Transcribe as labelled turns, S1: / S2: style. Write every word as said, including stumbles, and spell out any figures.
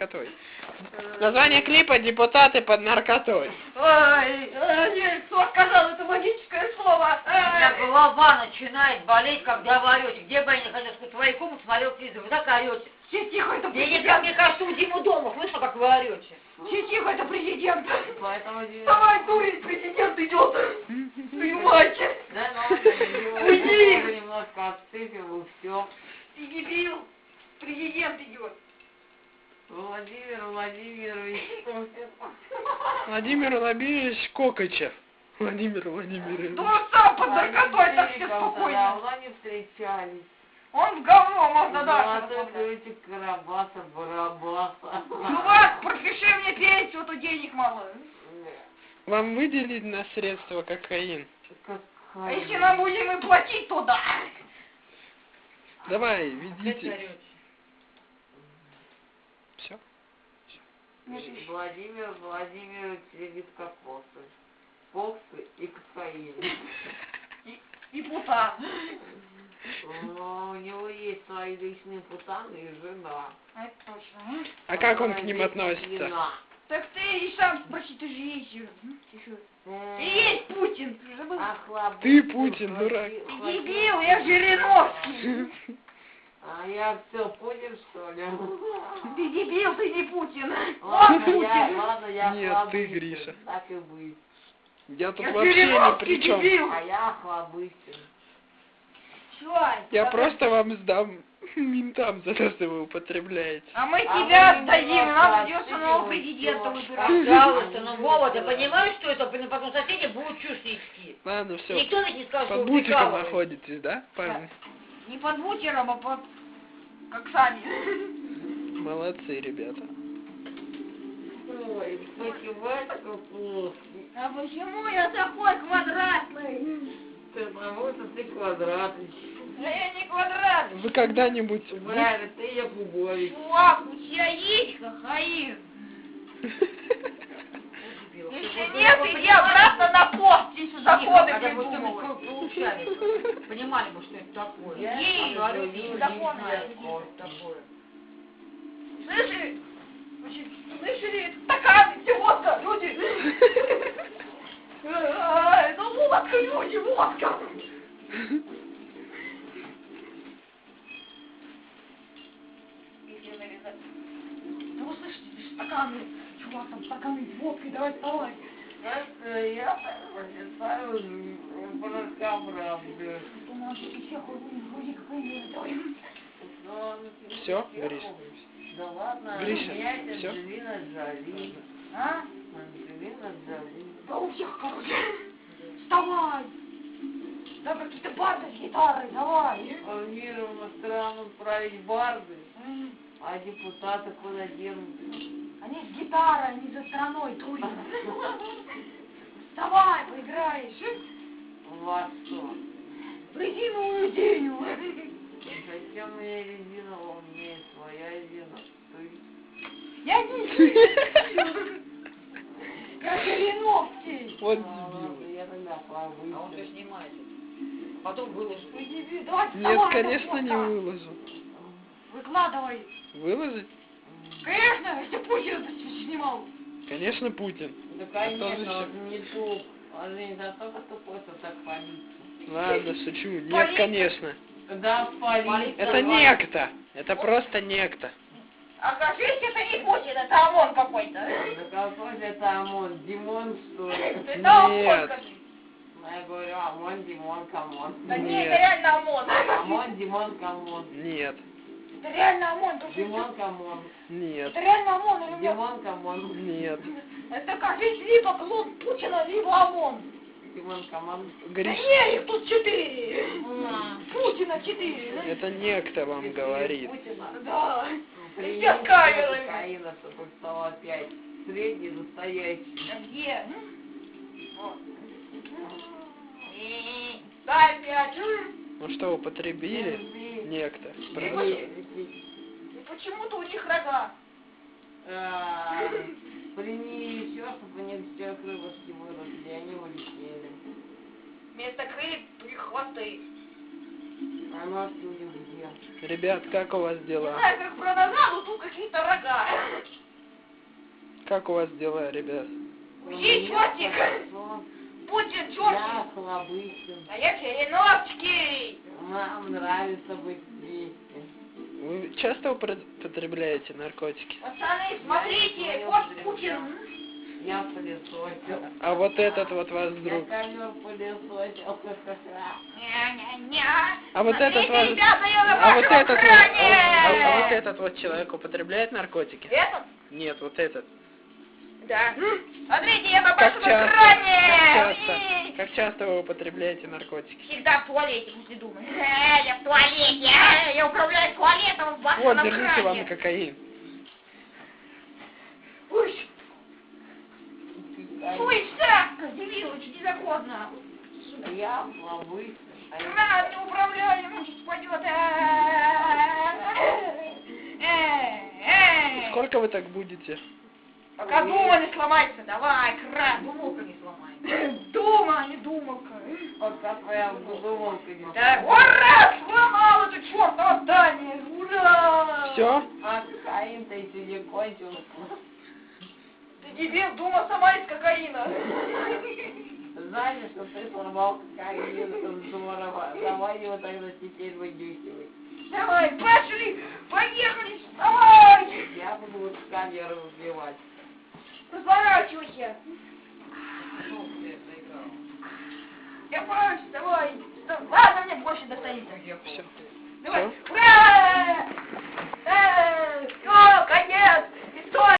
S1: наркотой. Название клипа «Депутаты под наркотой».
S2: Ой, ой, кто сказал это магическое слово?
S3: У меня голова начинает болеть, когда вы орете. Где бы я не хотел сказать, твоей комнате смотрел телевизор, вы так орете.
S2: Все тихо, это
S3: Я
S2: президент.
S3: никак, мне кажется, у Димы дома, слышно, как вы орете.
S2: Все тихо, это президент.
S3: Поэтому...
S2: Давай, дурень, президент идет. Твою мать.
S3: Да, ну,
S2: Уйди.
S3: Немножко отсыпил, и все.
S2: Ты дебил. Президент идет.
S3: Владимир Владимирович.
S1: Владимир Владимирович Кокачев. Владимир Владимирович.
S2: Да он сам под наркотой, так все спокойно.
S3: Давно не встречались.
S2: Он в говно, можно
S3: Золотой
S2: дальше.
S3: ключик Карабаса Барабаса.
S2: Чувак, пропиши мне пенсию, а то денег мало.
S1: Вам выделить на средства кокаин?
S2: А если нам будем и платить, то да.
S1: Давай, ведите. Все?
S3: Владимир Владимирович любит кокосы, фоксы и кокаин.
S2: И, и пута.
S3: У него есть свои личные путаны и жена.
S2: Это точно.
S1: А как он к ним относится?
S2: Так ты и сам спроси, ты же есть же. Ты есть Путин, ты же забыл.
S1: Ты Путин, дурак.
S2: Ты дебил, я Жириновский.
S3: А я все понял, что ли?
S2: Ты дебил, ты не Путин.
S3: Ладно,
S2: Он
S3: я,
S2: Путин.
S3: ладно, я
S1: Нет,
S3: Хлобыстин,
S1: ты, Гриша.
S3: Так и быть.
S1: Я тут
S2: Я
S1: вообще ни
S2: Жириновский,
S1: при чем.
S2: дебил.
S3: А я Хлобыстин.
S2: Чё?
S1: Я
S2: А
S1: просто вам сдам ментам за то, что вы употребляете.
S2: А мы
S3: А
S2: тебя
S3: мы
S2: отдадим,
S3: не
S2: нам придется
S3: хотим,
S2: нового
S3: всё.
S2: президента выбирать.
S3: Пожалуйста, ну Вова, ты понимаешь, что это? Потом соседи будут чушь нести.
S1: Ладно, все.
S3: Никто ведь не скажет, что
S1: Под
S3: вы
S1: бутиком
S3: прикалываетесь.
S1: находитесь, да, парни?
S2: Не под бутером, а под... как сами.
S1: Молодцы, ребята.
S3: Ой, математика плоский.
S2: А почему я такой квадратный?
S3: Потому что ты квадратный.
S2: Да я не квадратный.
S1: Вы когда-нибудь... бу-
S3: Правильно, ты Якубович.
S2: Чувак, у тебя есть кокаин? Если нет, иди обратно на пост, здесь законы придумывай.
S3: Понимали бы, что это такое.
S2: Ей,
S3: А говорю,
S2: ей,
S3: не
S2: законы
S3: знаю,
S2: есть.
S3: что это такое.
S2: Слышали? Значит, слышали? Стаканы, где водка, люди. А, это водка, люди, водка. Ну вы слышите, здесь стаканы. Чувак, там стаканы с водкой, давай вставай.
S3: Я считаю, бракобразы.
S2: У нас тут всех вроде кокаин, давай.
S1: Все, Гриш?
S3: Да ладно,
S1: Гриша,
S3: у меня это
S1: всё?
S3: Анджелина Джоли.
S2: А?
S3: Анджелина Джоли.
S2: Да у всех, короче. Вставай. Да какие-то барды с гитарой, давай.
S3: Планировано страну править барды, а депутаты куда денутся?
S2: Они с гитарой, они за страной трудно. Вставай, поиграешь.
S3: Во что?
S2: В резиновую деню.
S3: Зачем мне резина? У меня есть своя резина. Ты?
S2: Я не Я Жириновский.
S1: Вот
S3: А,
S1: дебил.
S3: ладно, я тогда плаваю.
S4: А он все снимает. Потом выложит.
S2: Ой, дебил, давай
S1: Нет,
S2: вставай,
S1: конечно,
S2: это
S1: не
S2: фото.
S1: выложу.
S2: Выкладывай.
S1: Выложить?
S2: Конечно, если Путин это снимал.
S1: Конечно, Путин.
S3: Да,
S1: тоже
S3: конечно,
S1: всё.
S3: он не туп. Он же не настолько тупой, что так полиция.
S1: Ладно, шучу. Нет,
S2: Полиция.
S1: конечно.
S3: Да, полиция.
S1: Это некто. Это просто некто.
S2: Окажись, это не Путин, это ОМОН какой-то.
S3: Да какой же это ОМОН? Димон, что ли?
S2: Это ОМОН,
S1: Нет.
S2: скажи.
S3: Я говорю, ОМОН, Димон, камон.
S2: Да нет,
S1: Нет.
S2: это реально ОМОН.
S3: ОМОН, Димон, камон.
S1: Нет.
S2: Это реально ОМОН. ты что?
S3: Димон, камон.
S1: Нет.
S2: Это реально ОМОн или нет?
S3: Димон, камон.
S1: Нет.
S2: Это кажись либо клон Путина, либо ОМОН.
S3: Димон, камон.
S2: Да
S1: Гриш,
S2: не, их тут четыре.
S3: На.
S2: Путина четыре. да?
S1: это некто вам говорит.
S3: Путина.
S2: Да.
S3: Принеси
S2: Все с камерами.
S3: кокаина, чтобы стало опять средний, настоящий.
S2: А где? Вот. Дай пять.
S1: Ну что, употребили? Некто. Правда?
S2: И почему-то у них рога.
S3: А, Прими еще, чтобы они все крылышки выросли, и они улетели.
S2: Вместо крыльев три хвосты.
S3: А ножки у них где?
S1: Ребят, как у вас
S2: Не
S1: дела?
S2: знаю, как про нога, но тут какие-то рога.
S1: Как у вас дела, ребят?
S2: Уйди, чертик! Будьте
S3: Я
S2: чертик!
S3: Слабыхин.
S2: А я Череновский!
S3: Нам нравится быть вместе.
S1: Вы часто употребляете наркотики?
S2: Пацаны, смотрите, вот Путин!
S3: Я пылесосил.
S1: А вот этот вот ваш
S3: Я
S1: друг.
S3: ковер пылесосил.
S2: Ня-ня-ня!
S1: А вот этот
S2: Смотрите,
S1: ваш...
S2: ребята, я на
S1: А вот
S2: вашем
S1: этот вот...
S2: экране!
S1: А, а вот этот вот человек употребляет наркотики?
S2: Этот?
S1: Нет, вот этот.
S2: Да. Смотрите, я на
S1: Как
S2: вашем
S1: часто?
S2: экране!
S1: Как часто?
S2: Эй!
S1: Как часто вы употребляете наркотики?
S2: Всегда в туалете, если думать. Э, я в туалете, э, я управляю туалетом в вашем
S1: Вот,
S2: экране.
S1: держите вам кокаин.
S2: Ой, ой, Сашка, Девилович, незаконно.
S3: Я слабый.
S2: На, не управляем, он сейчас упадет.
S1: Сколько вы так будете?
S2: Пока дума не сломается, давай, кран, думалка не сломай. Дума, а не думалка.
S3: Пока твоя думалка не
S2: Да, ура, сломал это чертово здание, ура!
S1: Все?
S3: А кокаин-то еще не кончился.
S2: Ты дебил, дума сама из кокаина.
S3: Знаешь, что ты сломал кокаин, здорово. Давай его тогда теперь вынюхивай.
S2: Давай, пошли, поехали, вставай!
S3: Я буду вот камеру убивать.
S2: Разворачивайся.
S4: Ну, блядь, заиграл.
S2: Я прочь, давай. Ладно, мне больше достанется.
S4: Уехал.
S1: Всё.
S2: Давай.
S1: Всё?